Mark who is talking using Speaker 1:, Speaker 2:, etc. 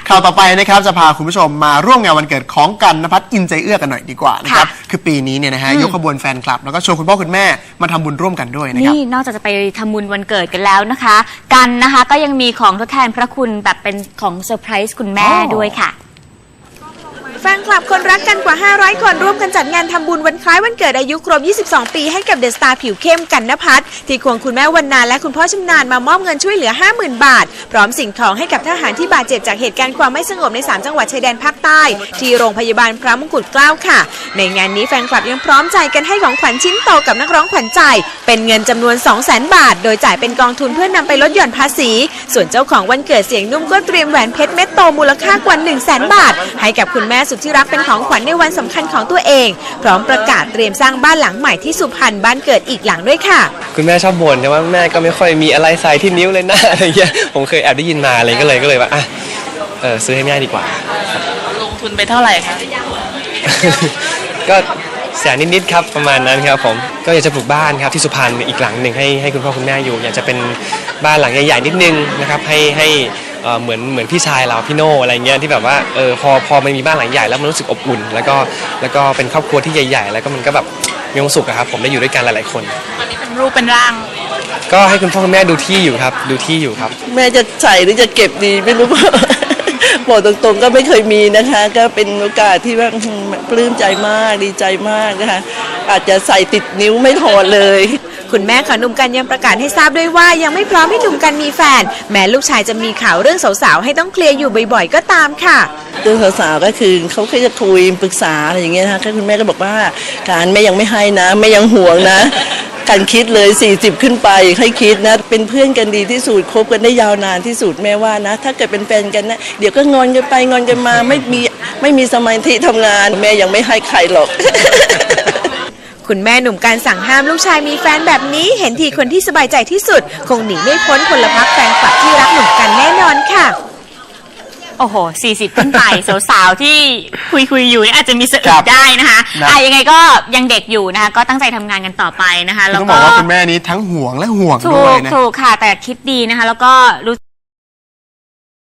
Speaker 1: ข่าวต่อไปนะครับจะพาคุณผู้ชมมาร่วมงานวันเกิดของกันนภัสอินใจเอื้อกันหน่อยดีกว่านะครับคือปีนี้เนี่ยนะฮะยกขบวนแฟนคลับแล้วก็ชวนคุณพ่อคุณแม่มาทำบุญร่วมกันด้วยนะครับ
Speaker 2: นี่นอกจากจะไปทำบุญวันเกิดกันแล้วนะคะกันนะคะก็ยังมีของทดแทนพระคุณแบบเป็นของเซอร์ไพรส์คุณแม่ด้วยค่ะ
Speaker 3: แฟนคลับคนรักกันกว่า 500 คนร่วมกันจัดงานทำบุญวันคล้ายวันเกิดอายุครบ 22 ปีให้กับเดอะสตาร์ผิวเข้มกันนภัสที่ควงคุณแม่วรรณาและคุณพ่อชำนาญมามอบเงินช่วยเหลือ 50,000 บาท พร้อมสิ่งของให้กับทหารที่บาดเจ็บจากเหตุการณ์ความไม่สงบใน 3 จังหวัดชายแดนภาคใต้ที่โรงพยาบาลพระมงกุฎเกล้าค่ะในงานนี้แฟนคลับยังพร้อมใจกันให้ของขวัญชิ้นโตกับนักร้องขวัญใจเป็นเงินจำนวน 200,000 บาทโดยจ่ายเป็นกองทุนเพื่อนำไปลดหย่อนภาษีส่วนเจ้าของวันเกิดเสียงนุ่มก็เตรียมแหวนเพชรเม็ดโตมูลค่ากว่า 100,000 บาทให้กับคุณแม่สุดที่รักเป็นของขวัญในวันสำคัญของตัวเองพร้อมประกาศเตรียมสร้างบ้านหลังใหม่ที่สุพรรณบ้านเกิดอีกหลังด้วยค่ะ
Speaker 4: คุณแม่ชอบบ่นแต่ว่าแม่ก็ไม่ค่อยมีอะไรใส่ที่นิ้วเลยนะอะไรเงี้ยผมเคยแอบได้ยินมาอะไรก็เลยว่าซื้อให้แม่ดีกว่า
Speaker 5: ลงทุนไปเท่าไหร่คะ
Speaker 4: ก็แสนนิดๆครับประมาณนั้นครับผมก็อยากจะปลูกบ้านครับที่สุพรรณอีกหลังหนึ่งให้คุณพ่อคุณแม่อยู่อยากจะเป็นบ้านหลังใหญ่ๆนิดนึงนะครับให้เหมือนพี่ชายเราพี่โน่อะไรเงี้ยที่แบบว่าพอมันมีบ้านหลังใหญ่แล้วมันรู้สึกอบอุ่นแล้วก็เป็นครอบครัวที่ใหญ่ๆแล้วก็มันก็แบบมีความสุขครับผมได้อยู่ด้วยกันหลายๆคน
Speaker 5: ตอนนี้เป็นรูปเป็นร่าง
Speaker 4: ก็ให้คุณพ่อคุณแม่ดูที่อยู่ครับ
Speaker 6: แม่จะใส่หรือจะเก็บดีไม่รู้บอกตรงๆก็ไม่เคยมีนะคะก็เป็นโอกาสที่ว่าปลื้มใจมากดีใจมากนะคะอาจจะใส่ติดนิ้วไม่ถอดเลย
Speaker 3: คุณแม่ของหนุ่มกันยังประกาศให้ทราบด้วยว่ายังไม่พร้อมให้หนุ่มกันมีแฟนแม้ลูกชายจะมีข่าวเรื่องสาวๆให้ต้องเคลียร์อยู่บ่อยๆก็ตามค่ะ
Speaker 6: เรื่องสาวๆก็คือเขาแค่จะคุยปรึกษาอะไรอย่างเงี้ยนะคะคุณแม่ก็บอกว่าการแม่ยังไม่ให้นะแม่ยังห่วงนะการคิดเลย40ขึ้นไปให้คิดนะเป็นเพื่อนกันดีที่สุดคบกันได้ยาวนานที่สุดแม่ว่านะถ้าเกิดเป็นแฟนกันนะเดี๋ยวก็งอนกันไปงอนกันมาไม่มีสมาธิทำงานแม่ยังไม่ให้ใครหรอก
Speaker 3: คุณแม่หนุ่มการสั่งห้ามลูกชายมีแฟนแบบนี้เห็นทีคนที่สบายใจที่สุดคงหนีไม่พ้นพลพรรคแฟนคลับที่รักหนุ่มกันแน่นอนค่ะ
Speaker 2: โอ้โห40ขึ้นไปสาวๆที่คุยอยู่อาจจะมีสะอึกได้นะคะยังไงก็ยังเด็กอยู่นะคะก็ตั้งใจทำงานกันต่อไปนะคะ
Speaker 1: แล้วก็ต้องบอกว่าคุณแม่นี้ทั้งห่วงและห่วงด้วยนะ
Speaker 2: ถูกค่ะแต่คิดดีนะคะแล้วก็รู้